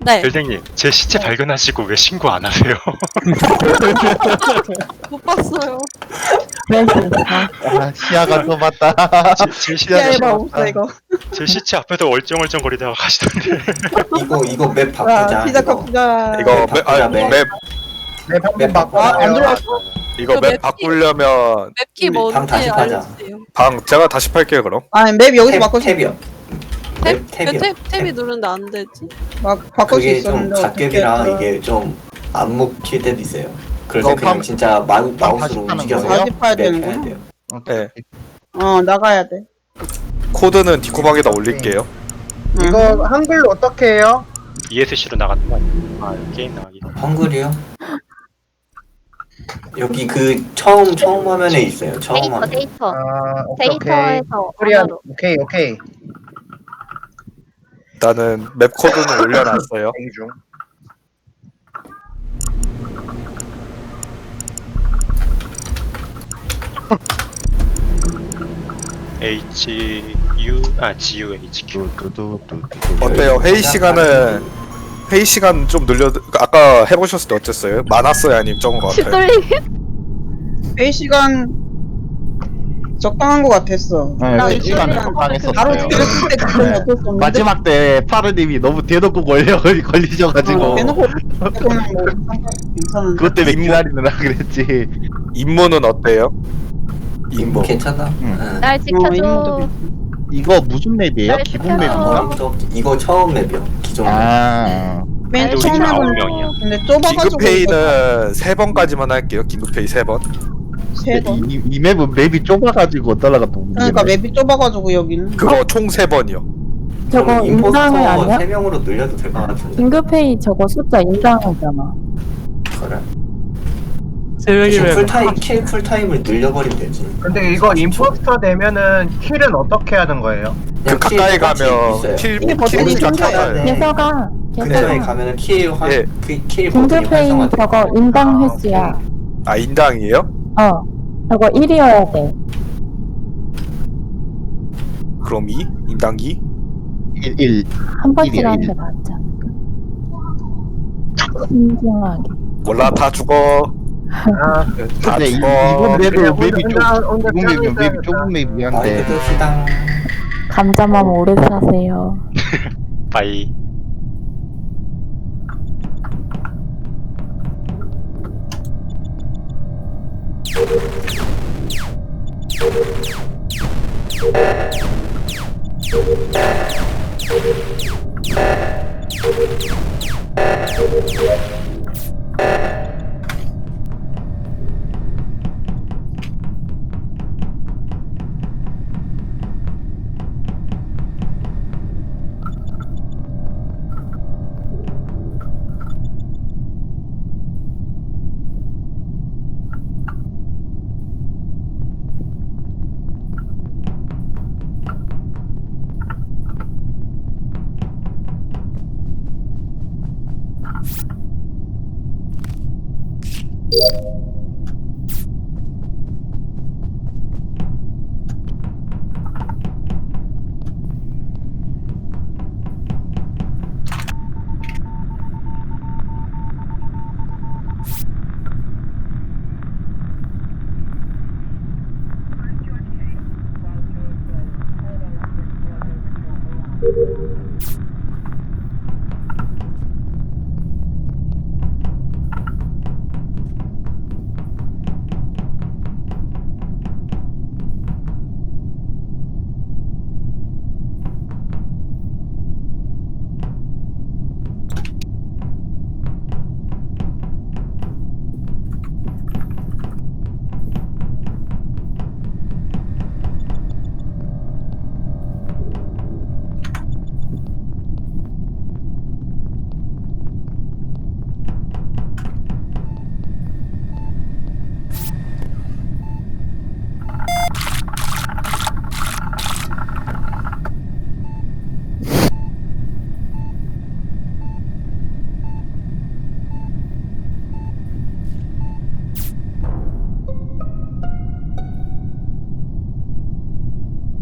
네. 별댕님, 제 시체 발견하시고 왜 신고 안 하세요? 못 봤어요. 아, 시야가 좁았다. 제 시야가 야, 봐, 좁았다. 없어, 이거. 제 시체 앞에서 얼쩡얼쩡 거리다가 가시던데. 이거 맵 바꾸자. 자, 시작합니다. 이거 맵, 바꾸자, 맵. 네, 방금 맵 바꿔. 바꾸자. 안 들어왔어? 이거 저 맵 맵 바꾸려면 맵키 우리 방 뭔지 다시 파자. 알려주세요. 방 제가 다시 팔게요 그럼. 아니, 맵 여기서 바꿀 수 탭이요. 탭? 탭이요. 탭이 누르는데 안 되지? 바꿀 수 그게 좀 있었는데. 갓겜이라 어떻게 이게 좀 안 먹힐 때도 있어요. 그래서 이거 그냥 방- 진짜 다시 마우스로 파는 움직여서 거예요? 다시 파야 맵 되는구나. 해야 돼요. 네. 나가야 돼. 코드는 디코방에다 올릴게요. 이거 한글로 어떻게 해요? ESC로 나가는 거 아니에요? 아, 게임 나가기. 헝그리요? 여기 그 처음 화면에 있어요. 처음 데이터 화면. 데이터 아, 오케이, 오케이. 데이터에서 코리안, 언어로. 오케이. 일단은 맵 코드는 올려놨어요. 대기 중. GUHQ. 어때요? 회의 시간 좀 늘려. 아까 해보셨을 때 어땠어요? 많았어요, 아니면 적은 것 같아요? 시돌림 회의 시간 적당한 것 같았어. 네, 나 그 시간 이거는 적당했었어요. 바로 찍었을 때 그건 어쩔 수 없는데. 마지막 때 파르님이 너무 대놓고 걸리셔가지고 대놓고 그러면 뭐 괜찮은데. 그것 때문에 기다리느라 그랬지. 임무는 어때요? 임무. 괜찮아? 응. 응. 날 인물도 지켜줘. 이거 무슨 맵이에요? 날 기본 지켜줘. 맵인가? 이거 처음 맵이요. 기존 맵. 아, 맨 우리 처음에 아홉 보는 명이야. 근데 좁아가지고 긴급회의는 3번까지만 할게요. 긴급회의 3번. 세 번. 이 맵은 맵이 좁아가지고 어떨라가 또 그러니까 맵이 좁아가지고 여기는. 그거 총 3번이요. 저거 인당이 임포스터 아니야? 3명으로 늘려도 될 것 같은데. 긴급회의 저거 숫자 인당이잖아. 그래. 세 대신 명이면 쿨타임 킬 쿨타임을 늘려버리면 되지. 근데 이거 임포스터 되면은 킬은 어떻게 하는 거예요? 그 그냥 가까이 킬 똑같이 가면 있어요. 킬 이게 버튼이 킬부터 생겨야 찾아요. 돼. 개서가 근처에 개서가 가면은 킬 예. 킬 버튼이 긴급회의 활성화돼. 저거 인당 횟수야. 아 인당이에요? 저거 1이어야 돼. 그럼 2? 인당 2? 1. 한 번씩 일이야, 하는 게 일. 낫지 않을까? 신중하게. 몰라 다 죽어. 아, 다 근데 죽어. 이번 맵은 맵이 혼자 좁은 맵이 좁은 맵이한데 마이크 시당. 감자만 오래 사세요. 바이.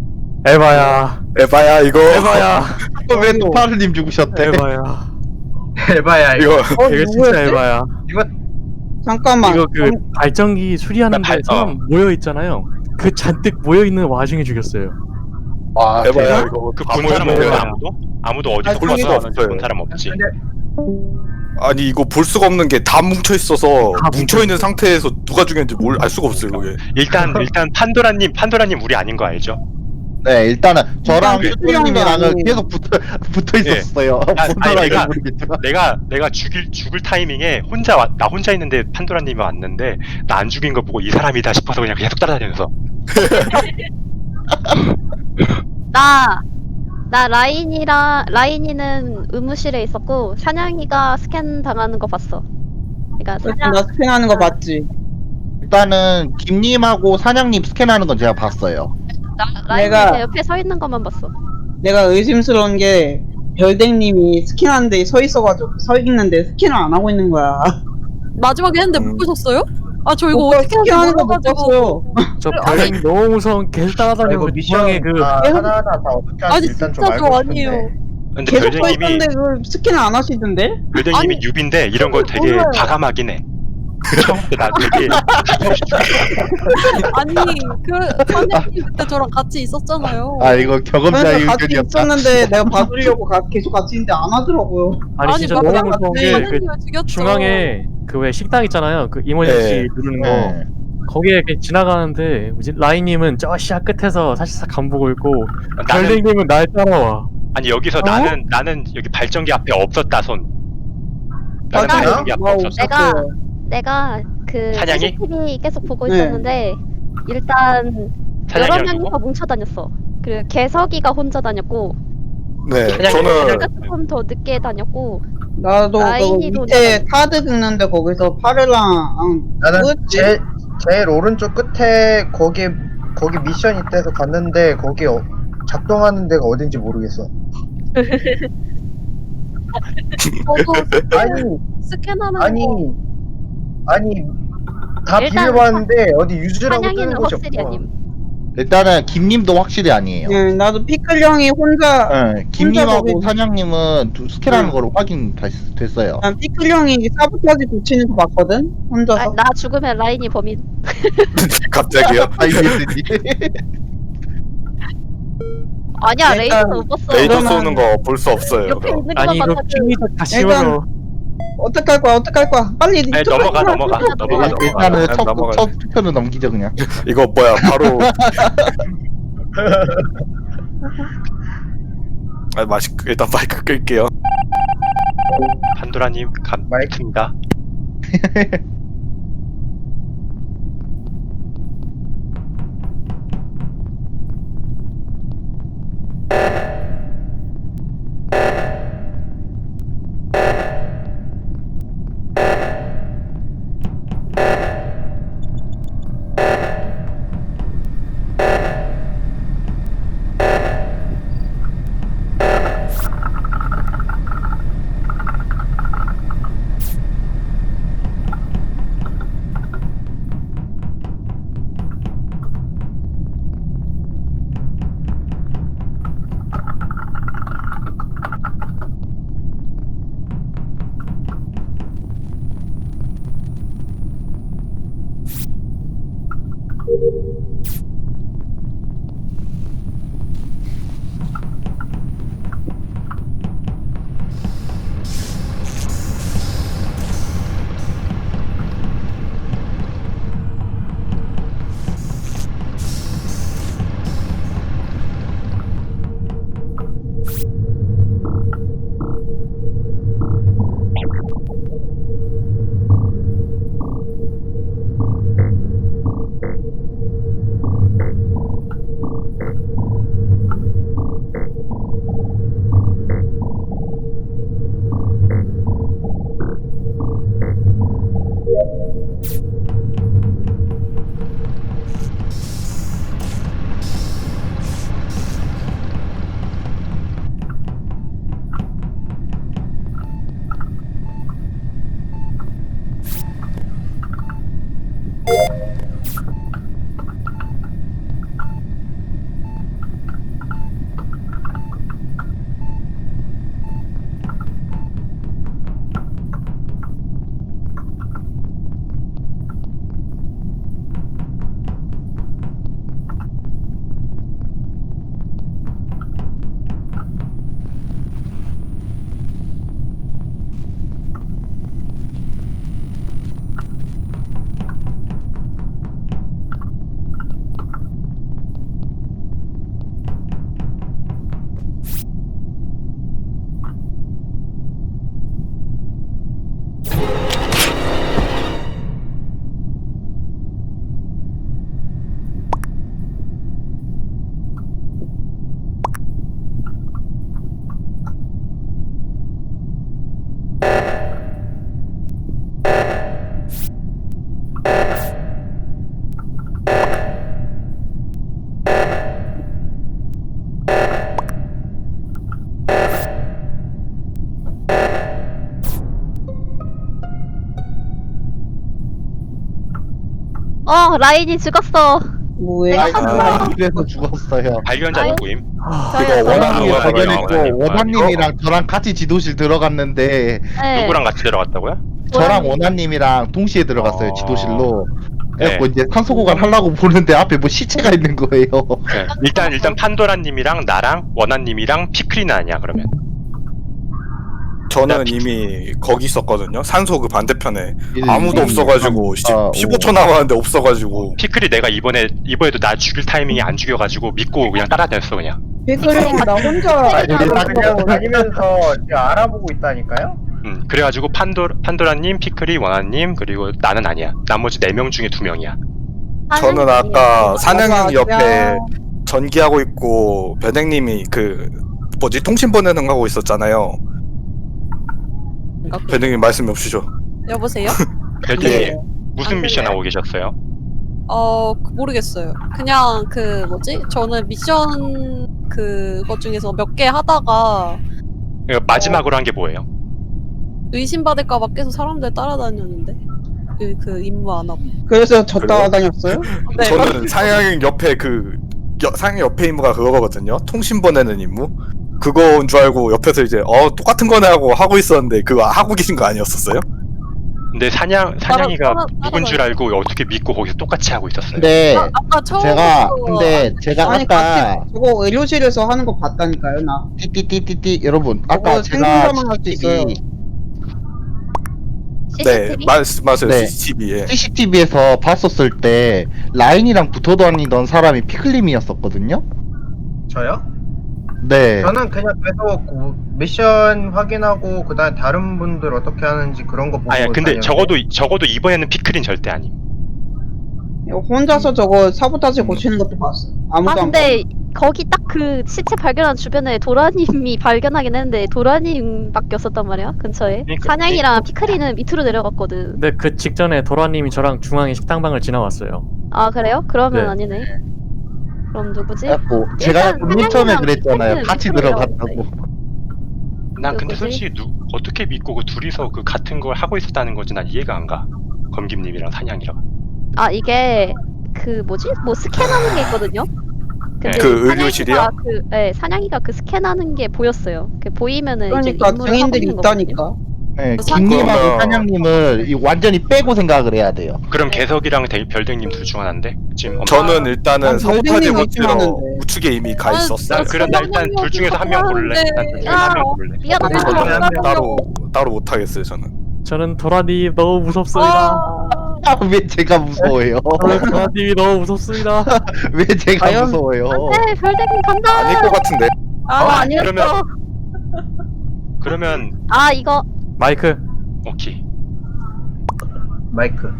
에바야 이거. 에바야. 왜 또 파르님 죽으셨대? 에바야. 에바야 이거. 이거 이거 진짜 에바야. 잠깐만. 이거 그 발전기 수리하는데 발- 사람 모여 있잖아요. 그 잔뜩 모여 있는 와중에 죽였어요. 와 에바야 이거 그 바보 본 사람 해봐요. 없어요 아무도 어디서 볼 가서 수가 하는지 본 없어요. 사람 없지. 아니 이거 볼 수가 없는 게 다 뭉쳐 있어서 다 뭉쳐 있는 상태에서 누가 죽였는지 알 수가 없어요 그게. 일단 판도라님 우리 아닌 거 알죠? 네 일단은 저랑 일단 슈퍼님이랑은 그 계속 붙어 있었어요. 아니, 본사라 내가- 모르겠지만. 내가 죽을 타이밍에 나 혼자 있는데 판도라님이 왔는데 나 안 죽인 거 보고 이 사람이다 싶어서 그냥 계속 따라다니면서 나 라인이는 의무실에 있었고 사냥이가 스캔 당하는 거 봤어. 그러니까 사냥 나 스캔하는 거 봤지. 일단은 김님하고 사냥님 스캔하는 건 제가 봤어요. 라인이 내가- 제 옆에 서 있는 것만 봤어. 내가 의심스러운 게 별댕님이 스캔하는데 서 있는데 스캔을 안 하고 있는 거야. 마지막에 했는데 못 보셨어요? 아 저 이거 오빠 어떻게 하는지 스캔하는 거 못 몰라가지고. 봤어요. 저 별이 너무 무서운 계속 따라다니고 중앙에 그 하나하나 다 어떻게 하는지 아니 일단 좀 진짜 알고 저 싶은데. 아니에요. 근데 계속 서 별댕님이 있었는데 그걸 스캔을 안 하시던데? 별댕님이 아니, 뉴비인데 이런 거 되게 몰라요. 과감하긴 해. 처음부터 나 되게 아니 그 선생님 그때 저랑 같이 있었잖아요. 아 이거 경험자의 그래서 같이 의견이었다. 있었는데 내가 봐주려고 계속 같이 있는데 안 하더라고요. 아니 진짜 너무 마지막 무서운 때 게 그 선생님을 죽였죠. 중앙에 그 왜 식당 있잖아요. 그 이모저씨 네. 누르는 거. 네. 거기에 이렇게 지나가는데 뭐지 라인님은 저 시야 끝에서 사실상 간 보고 있고 나는 별댕님은 날 따라와. 아니 여기서 나는 여기 발전기 앞에 없었다 손. 나는 맞아요? 발전기 앞에 뭐 없었어. 내가 그 사냥이? CCTV 계속 보고 네. 있었는데 일단 여러 사냥이랑 명이서 누구? 뭉쳐 다녔어. 그리고 개석이가 혼자 다녔고 네 사냥이- 저는 내가 조금 더 늦게 다녔고 나도 그 라인이도 밑에 카드 긁는데 거기서 파르랑 나는 뭐였지? 제일 오른쪽 끝에 거기 미션 있대서 갔는데 거기 작동하는 데가 어딘지 모르겠어. 저도 아니 스캔하는 아니 거 아니 다 일단 비벼봤는데 어디 유즈라고 뜨는 사냥이는 곳이 확실히 없어. 아님. 일단은 김님도 확실히 아니에요. 나도 피클 형이 혼자 네, 김님하고 거기- 사냥님은 스캔하는 응. 거로 확인됐어요. 난 피클 형이 사보타지 붙이는 거 봤거든? 혼자서. 나 죽으면 라인이 범인. 갑자기요? IBSD. 아니야 일단 레이더 못 봤어. 레이더 그러면- 쏘는 거 볼 수 없어요. 옆에 있는 것만 아니 이거 봤거든. 킹이도 다 일단- 씌워줘. 어떡할 거야? 빨리 아니, 넘어가. 일단은 첫 넘어가요. 투표는 넘기죠 그냥. 이거 뭐야 바로 일단 마이크 끌게요. 판도라님 감사합니다. 라인이 죽었어. 뭐해? 이래서 죽었어요. 발견자 아유. 누구임? 저요. 원한님이 원한님, 발견했고 원한님. 원한님이랑 저랑 같이 지도실 들어갔는데 네. 누구랑 같이 들어갔다고요? 저랑 원한님이랑 동시에 들어갔어요 지도실로. 그래갖고 네. 이제 산소 구간 하려고 보는데 앞에 뭐 시체가 있는 거예요. 네. 일단 판도라님이랑 나랑 원한님이랑 피크리는 아니야 그러면. 저는 이미 거기 있었거든요. 산소 그 반대편에 예, 아무도 없어가지고 15초 남았는데 없어가지고 피클이 내가 이번에도 나 죽일 타이밍이 안 죽여가지고 믿고 그냥 따라다녔어 그냥. 그리고 나 혼자 아니, 그냥 알아보고 다니면서 지금 알아보고 있다니까요? 그래가지고 판도라님, 피클이, 원한님 그리고 나는 아니야. 나머지 4명 중에 2명이야. 저는 아까 사냥님 맞아, 옆에 야. 전기하고 있고 변행님이 그 뭐지 통신 보내는 거 하고 있었잖아요. 변행님 말씀 없으시죠? 여보세요? 별님이 네. 무슨 미션 하고 계셨어요? 모르겠어요. 그냥 그 뭐지? 저는 미션 그것 중에서 몇 개 하다가 마지막으로 한 게 뭐예요? 의심받을까봐 계속 사람들 따라다녔는데 그 임무 안 하고. 그래서 저 따라다녔어요? 네. 저는 사냥 옆에 사냥 옆에 임무가 그거거든요. 통신 보내는 임무. 그거인 줄 알고 옆에서 이제 똑같은 거네 하고 있었는데 그거 하고 계신 거 아니었었어요? 근데 사냥이가 따라- 누군 줄 알고 어떻게 믿고 거기서 똑같이 하고 있었어요. 근데 아까 처음 제가 아니 아까 저거 의료실에서 하는 거 봤다니까요 나. 띠띠띠띠띠 여러분 아까 저거 제가 생존자만 할수 있어요. 네, 맞아요. 네. CCTV에. CCTV에서 봤었을 때 라인이랑 붙어 다니던 사람이 피클림이었었거든요. 저요? 네. 저는 그냥 계속 미션 확인하고 그다음 다른 분들 어떻게 하는지 그런 거 보고 아니 근데 다녔는데. 적어도 이번에는 피클린 절대 아님. 혼자서 저거 사보타지 고치는 것도 봤어. 아무도 안 근데 거기 딱 그 시체 발견한 주변에 도라님이 발견하긴 했는데 도라님밖에 없었단 말이야 근처에. 그러니까, 사냥이랑 피크리는 밑으로 내려갔거든. 근데 그 직전에 도라님이 저랑 중앙에 식당방을 지나왔어요. 아 그래요? 그러면 네. 아니네. 그럼 누구지? 그래갖고 제가 일단 맨 처음에 사냥이랑 그랬잖아요. 피클리는 같이 밑으로 들어갔다고. 난 근데 누구지? 솔직히 어떻게 믿고 그 둘이서 그 같은 걸 하고 있었다는 건지 난 이해가 안 가. 검김님이랑 사냥이랑. 아 이게 그 뭐지? 뭐 스캔하는 게 있거든요. 근데 그 의료실이요? 사냥이가 그 스캔하는 게 보였어요. 그 보이면은 그러니까 이제 임무를 증인들이 하고 있는 있다니까. 네, 사- 김님하고 그거는- 사냥님을 완전히 빼고 생각을 해야 돼요. 그럼 개석이랑 별댕님 둘 중 하나인데 지금 저는 일단은 난 사보타지 별댕님 고치러 의심하는데. 우측에 이미 가 아, 있었어요. 그럼 나 일단 둘 중에서 한 명 고를래. 일단 둘 중에서 한 명 고를래. 미안하다. 저는 따로 따로 못 하겠어요. 저는. 저는 도라님 너무 무섭습니다. 왜 제가 무서워요? 도라님이 너무 무섭습니다. 왜 제가 과연- 무서워요? 네, 별대님 간다. 아닐 것 같은데. 아니었어. 그러면 아 이거 마이크. 오케이. 마이크.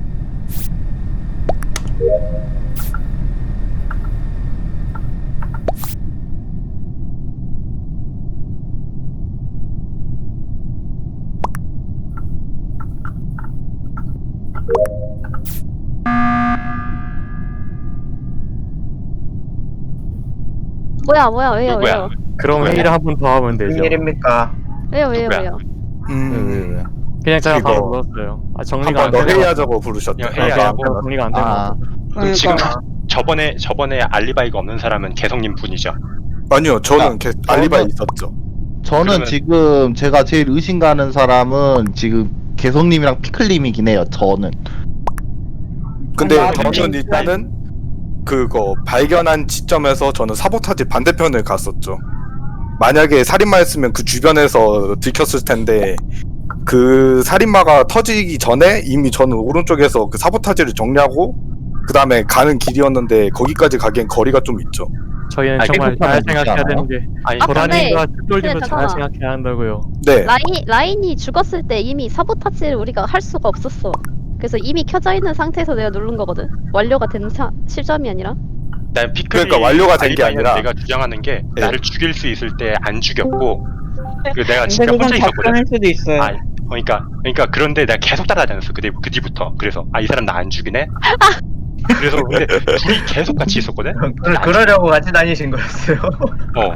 뭐야 왜요 누구야? 왜요 그럼 누구야? 회의를 한 번 더 하면 무슨 되죠. 일입니까? 왜요 누구야? 음. 그냥 제가 이거 바로 불렀어요. 아 정리가 한번 안 더 돼요. 회의하자고 부르셨대. 그냥 회의하자고. 정리가 안 되는 아, 그럼 지금 그러니까 저번에 알리바이가 없는 사람은 개성님 분이죠. 아니요, 저는 아, 알리바이 저는- 있었죠. 저는 그러면- 지금 제가 제일 의심 가는 사람은 지금 개성님이랑 피클님이긴 해요. 저는. 근데 아니, 저는 일단은 그거 발견한 시점에서 저는 사보타지 반대편을 갔었죠. 만약에 살인마였으면 그 주변에서 들켰을 텐데 그 살인마가 터지기 전에 이미 저는 오른쪽에서 그 사보타지를 정리하고 그 다음에 가는 길이었는데 거기까지 가기엔 거리가 좀 있죠. 저희는 아, 정말 잘 행복하면 생각해야 되지 되는 게 아니 아, 도라님과 근데 똘님을 잘 잠깐만. 생각해야 한다고요. 네. 라인이 죽었을 때 이미 사보타지를 우리가 할 수가 없었어. 그래서 이미 켜져 있는 상태에서 내가 누른 거거든. 완료가 된 시점이 아니라. 난 피클이 그러니까 완료가 된게 알리바이는 아니라- 내가 주장하는 게 네. 나를 죽일 수 있을 때 안 죽였고 그 내가 근데 진짜 그건 혼자 있었거든. 작전일 수도 있어요. 아, 그러니까 그런데 내가 계속 따라다녔어. 그 뒤부터. 그래서 이 사람 나 안 죽이네. 그래서 근데 둘이 계속 같이 있었거든. 그러려고 같이 다니신 거였어요. 어.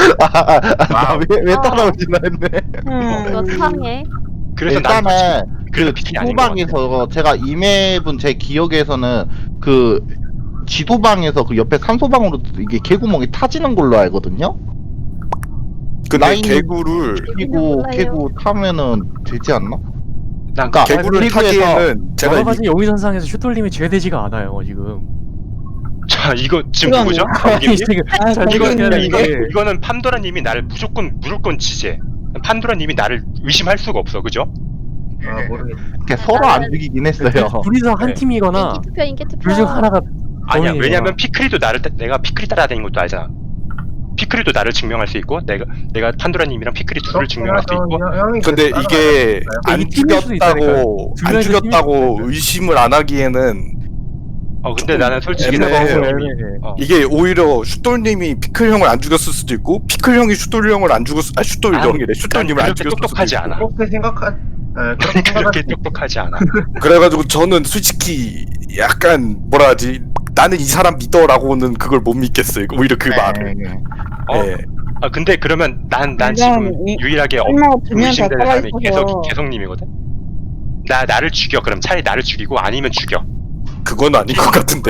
나왜 따라오지나 했네. 이거 상해. 그래서 난 일단은 그래서 그 피클이 아닌 것 같아. 지도방에서 제가 이 맵은 제 기억에서는 그 지도방에서 그 옆에 산소방으로 이게 개구멍이 타지는 걸로 알거든요. 근데 라인- 개구를 그리고 몰라요. 개구 타면은 되지 않나? 난 그러니까 개구를 리그에서 타기에는 제가 여러 이- 가지 용의선상에서 슛돌림이 제외되지가 않아요 지금. 자 이거 지금 그러네. 누구죠? 아니, 검김님? 지금 아, 잘 이거 생각해야 되는 이거 게 이거는 판도라님이 나를 무조건 지제. 판도라님이 나를 의심할 수가 없어, 그죠? 아 모르겠어. 이렇게 서로 안 죽이긴 했어요. 둘이서 한 네. 팀이거나 인기 투표. 둘 중 하나가 아니야. 범인이구나. 왜냐면 피크리도 내가 피크리 따라다닌 것도 알잖아. 피크리도 나를 증명할 수 있고 내가 판도라님이랑 피크리 둘을 증명할 수 있고. 근데 이게 안 이 팀일 수도 죽였다고 두 안 명이서 죽였다고 팀일 수도 의심을 안 하기에는 근데 나는 솔직히 애매해. 판도라님이 이게 오히려 슈돌님이 피클 형을 안 죽였을 수도 있고 피클 형이 슈돌 형을 안 죽였 슈돌 형이래 슈돌님을 안 그렇게 죽였을 수도 똑똑하지 있고. 않아. 그렇게 생각하. 그렇게 그렇게 생각할 똑똑하지 않아. 그래가지고 저는 솔직히 약간 뭐라 하지 나는 이 사람 믿어라고는 그걸 못 믿겠어요. 오히려 그 말을. 어? 예. 근데 그러면 난 그냥 지금 이- 유일하게 설마 두명 다 의심되는 사람이 살아있어서 개성님이거든. 나를 죽여. 그럼 차라리 나를 죽이고 아니면 죽여. 그건 아닌 것 같은데.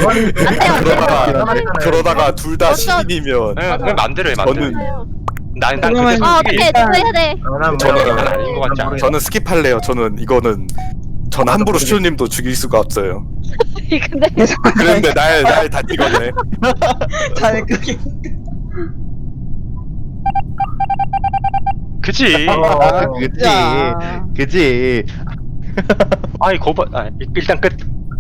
그러다가 둘 다 시민이면 그냥 맘대로 해 맘대로. 저는 난 그러면- 근데 아 솔직히 어떻게 누구 해야 돼? 저는 아닌 것 같지 않아. 저는 스킵할래요. 저는 함부로 슈돌님도 죽일 수가 없어요. 근데 그런데 날 다 찍었네. 잘 그게 그지. 그치, 진짜. 그치. 아이 거봐. 일단 끝.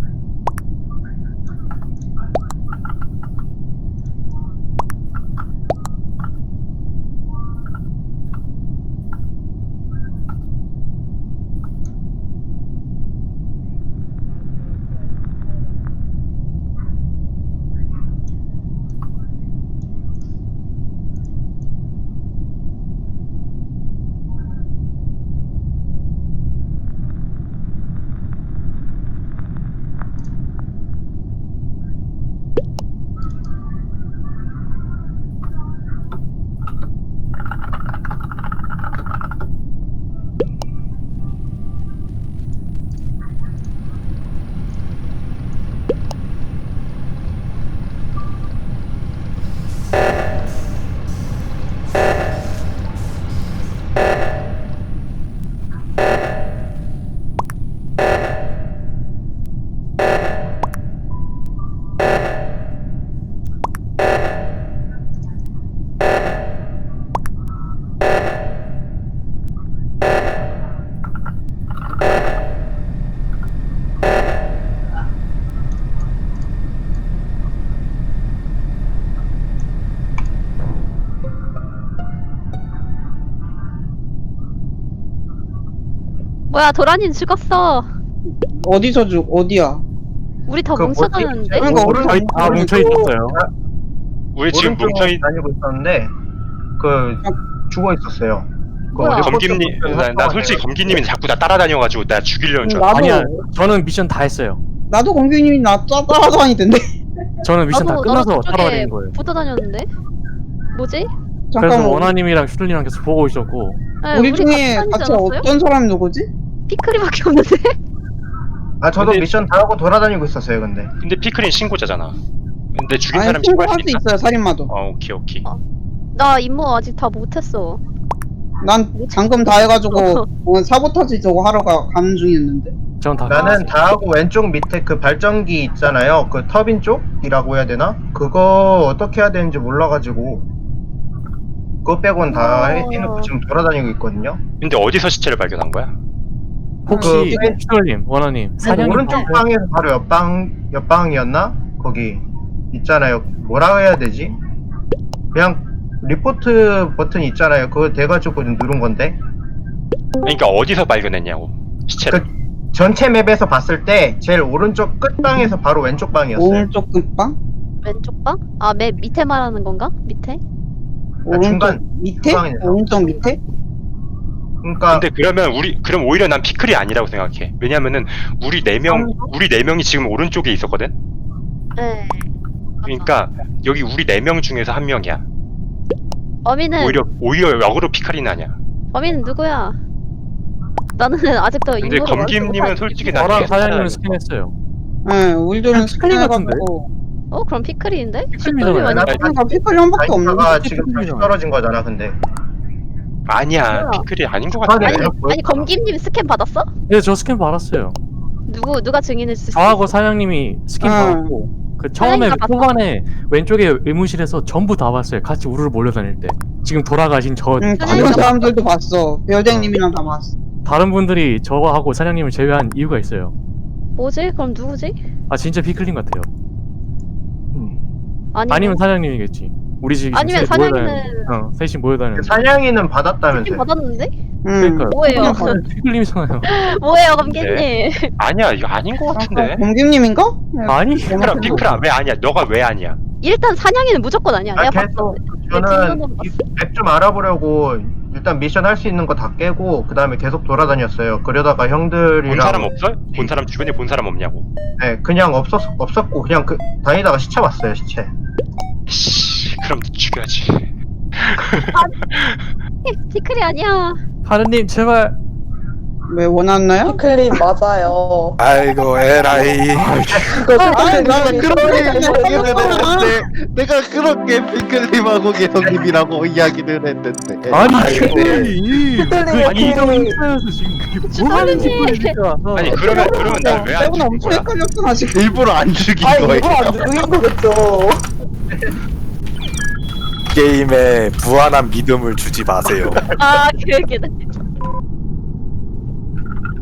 뭐야 도라님 죽었어. 어디서 어디야? 우리 다 그 뭐지? 뭉쳐다녔는데? 그러니까 우리 오른쪽- 아 뭉쳐 있었어요. 우리 지금 오른쪽으로 뭉쳐있. 다니고 있었는데 그 죽어 있었어요. 뭐야? 검김님, 나 솔직히 검김님이 자꾸 나 따라다녀가지고 나 죽이려는 줄 알았어. 나도 아니야, 저는 미션 다 했어요. 나도 공규님이 나 따라다니던데. 저는 미션 다 끝나서 저쪽에 따라다닌 거예요. 붙어 다녔는데? 뭐지? 그래서 잠깐만. 원하님이랑 슈돌님이랑 계속 보고 있었고 네, 우리 중에 다니지 같이 않았어요? 어떤 사람이 누구지? 피클이밖에 없는데? 아 저도 근데- 미션 다 하고 돌아다니고 있었어요. 근데 근데 피클린 신고자잖아. 근데 죽인 아니 사람 신고할 신고할 수 수 있나? 있어요 살인마도. 오케이. 나 임무 아직 다 못했어. 난 방금 다 해가지고 사보타지 저거 하러 가는 중이었는데. 전 다 나는 다 하고 왼쪽 밑에 그 발전기 있잖아요. 그 터빈 쪽이라고 해야 되나? 그거 어떻게 해야 되는지 몰라가지고 그거 빼곤 다 해놓고 지금 돌아다니고 있거든요. 근데 어디서 시체를 발견한 거야? 혹시 그- 슈돌님, 원하님 사냥이 오른쪽 방에서 바로 옆방이었나? 거기 있잖아요. 뭐라고 해야 되지? 그냥 리포트 버튼 있잖아요. 그거 돼가지고 누른 건데 그러니까 어디서 발견했냐고 시체를. 전체 맵에서 봤을 때 제일 오른쪽 끝방에서 바로 왼쪽 방이었어요. 오른쪽 끝방? 왼쪽 방? 아, 맨 밑에 말하는 건가? 밑에? 오른쪽 중간, 밑에? 중앙에서. 오른쪽 밑에? 그러니까 근데 그럼 오히려 난 피클이 아니라고 생각해. 왜냐면은 우리 네 명이 지금 오른쪽에 있었거든. 네. 그러니까 여기 우리 4명 중에서 한 명이야. 범인은 오히려 역으로 피카리는 아니야. 범인은 누구야? 나는 아직도 근데 임무를 검김님은 솔직히 나 저랑 되게 사장님은 잘하는 스캔했어요. 네, 우리들은 피클린 같은데? 스캔해가지고. 그럼 피클인데? 피클이잖아요. 피클이 완전- 그러니까 피클이 한 밖에 없는데. 다이나가 지금 다시 떨어진 거잖아 근데. 아니야 뭐야? 피클이 아닌 것 아니, 같아. 아니 검김님 스캔 받았어? 네, 저 스캔 받았어요. 누가 증인해 줄 수 있어? 저하고 사장님이 스캔 응. 받았고 그 처음에 사장님가 초반에 왼쪽에 의무실에서 전부 다 봤어요. 같이 우르르 몰려다닐 때. 지금 돌아가신 저 다른 사람들도 봤어. 별댕님이랑 다 봤어. 다른 분들이 저하고 사장님을 제외한 이유가 있어요. 뭐지? 그럼 누구지? 아 진짜 피클린 같아요. 아니면 아니면 사장님이겠지. 우리 집 아니면 사장님은 셋이 모여다니는. 사냥이는 스캔 받았다면서요. 받았는데? 그러니까 뭐예요? 피클림이잖아요. 뭐예요 검김님? 아니야 이거 아닌 것 같은데. 공김님인가? 아니 피클아 왜 아니야? 너가 왜 아니야? 일단 사냥이는 무조건 아니야. 내가 계속 봤어. 저는 맵 좀 알아보려고 일단 미션 할 수 있는 거 다 깨고 그 다음에 계속 돌아다녔어요. 그러다가 본 형들이랑 사람 없어? 본 사람 주변에 본 사람 없냐고. 네, 그냥 없었고 그냥 다니다가 시체 봤어요 시체. 씨, 그럼 죽여야지. 피클이 아니야. 하느님 제발. 왜 원하나요? 피클린 맞아요. 아이고 에라이. 나는 그렇게 이야기를 했는데 내가 그렇게 피클님하고 개성님이라고 이야기를 했는데 아니 피클림. 피클림 아니 이거 인사여서 지금 그게 뭐 하는 짓이야. 아니 그러면 날 왜 안 빼고는 죽인 엄청 거야? 헷갈렸어 나 지금. 일부러 안 죽인 아 거예요. 이거 안 죽인 거겠죠. 게임에 무한한 믿음을 주지 마세요. 아 그게